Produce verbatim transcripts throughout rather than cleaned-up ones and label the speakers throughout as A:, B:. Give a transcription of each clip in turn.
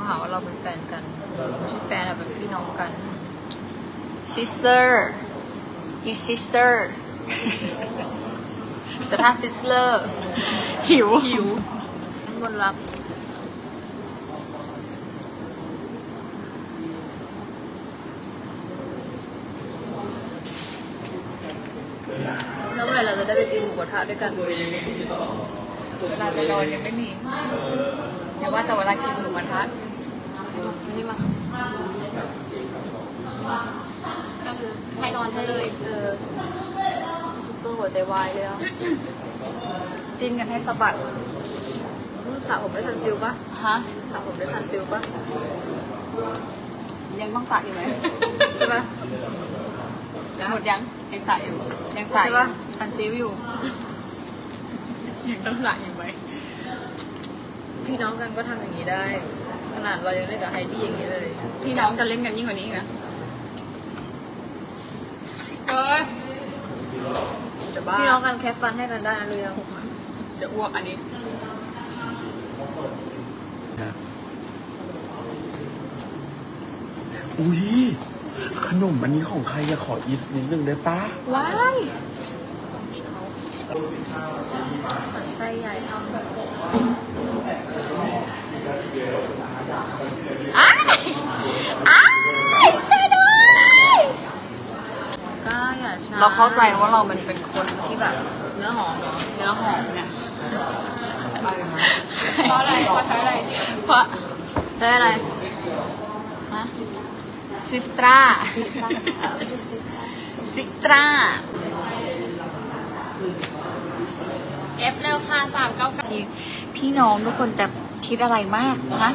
A: หาว่าเราเป็นแฟนกันไม่ใช่แฟนอะเป็นพี่น้องกัน
B: sister his sister
A: แต่ถ้าซิสเลอร์
B: หิว
A: หิวมนรับแล้วเมื่อไหร่เราจะได้ไปกินหมูกระทะด้วยกัน
B: เวลาจะนอนยังไม่มีอย่าว่าแต่เวลากินหมูกระทะนี่มา
A: ก็คือให้นอนให้เลยเออซุปเปอร์หัวใจวายเลยอ่ะ
B: จิ้นกันให้สะบัด
A: สระผมด้วยซันซิลปะ
B: ฮะ
A: สระผมด้วยซันซิลปะ
B: ยังต้องสระอยู่ไหม
A: ใช่ปะ
B: หมดยังยังสระอยู่ยังสระอยู่
A: ใช่ปะ
B: ซันซิลอยู่ยังต้องสระอยู่ไหม
A: พี่น้องกันก็ทำอย่างนี้ได้ ขนาดเรายังเล่นกับไฮดี้อย่างนี้เลย
B: พี่น้องจะเล่นกันยิ่งกว่านี้อีกนะเฮ้ยจะบ้า
A: พี่น้องกันแค่ฟันให้กันได้นะรู้ยัง
B: จะอ้วกอันนี้
C: อุ้ยขนมอันนี้ของใครอะขออีกนิดนึงได้ปะ
B: ว้าย
A: ไส้ใหญ่ทำ
B: อ้ายอ้ายช่วยด้วย
A: ก้าอย่าช้า
B: เราเข้าใจว่าเรามันเป็นคนที่แบบ
A: เนื้อหอมเหรอ
B: เนื้อหอมเนี่ย
A: เพราะอะไรเพราะใช้อะไร
B: เพราะ
A: ใช้อะไร
B: ฮะซิสตราซิตรา
A: เอฟเร็วค่ะสามเก้าเก้า
B: ที่พี่น้องทุกคนแต่คิดอะไรมากนะ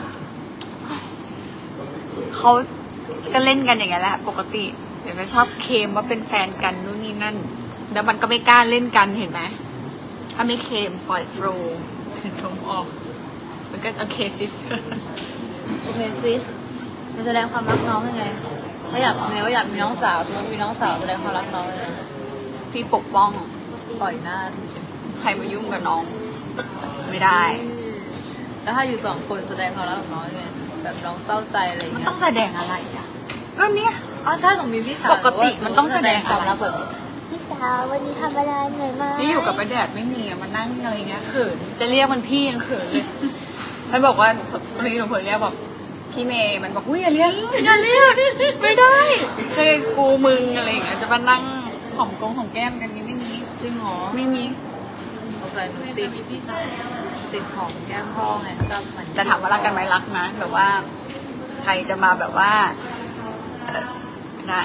B: เขาก็เล่นกันอย่างเงี้ยแหละปกติเดี๋ยวก็ชอบเคลมว่าเป็นแฟนกันนู่นนี่นั่นแล้วมันก็ไม่กล้าเล่นกันเห็นไหมถ้าไม่เคลมปล่อยโฟลว์โฟลว์ออกมันก็โอเคซิสเตอร์
A: โอเคซิสมันแสดงความรักน้องยังไงถ้าอยากเนื้ออยากมีน้องสาวสมมติมีน้องสาวแสดงความรักน้องยังไง
B: พี่ปกป้อง
A: ปล่อยหน้าที่
B: ใครมายุ่งกับน้อง ไม่ได้
A: แล้วถ้าอยู่สองคนแสดงความรักกับน้องยังไงแบบน้องเศร้าใจอะไรอย่าง
B: มัน
A: เงี้ย
B: ต้องแสดงอะไรอ่ะก็เนี่ย
A: อ๋อถ้าหนูมีพี่สาว
B: ปกติมันต้องแสดง
A: ความ
B: อะไร
A: รักแบบ
D: พี่สาววันนี้ทำอะไรเหนื่อยไหม
B: นี่อยู่กับประแดดไม่มีอะมานั่งอะไรเงี้ยเขินจะเรียกมันพี่ยังเขินเลยมันบอกว่าวันนี้หนูเผลอเรียกบอกพี่เมย์มันบอกอุ้ยอย่าเรียกอย่าเรียกไม่ได้เคยกูมึงอะไรอย่างเงี้ยจะมานั่งหอมกงหอมแก้มกันนี้ไม่มี
A: จริงเหรอ
B: ไม่มี
A: สงสัยหนูติดพี่สาวติดของแก้มพ่อไงก็มัน
B: จะถามว่ารักกันไหมรักนะแบบว่า ใครจะมาแบบว่าเอ่อได้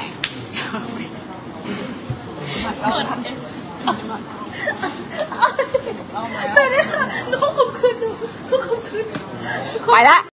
B: สวัสดีค่ะน้องขอบคุณน้องขอบคุณไปละ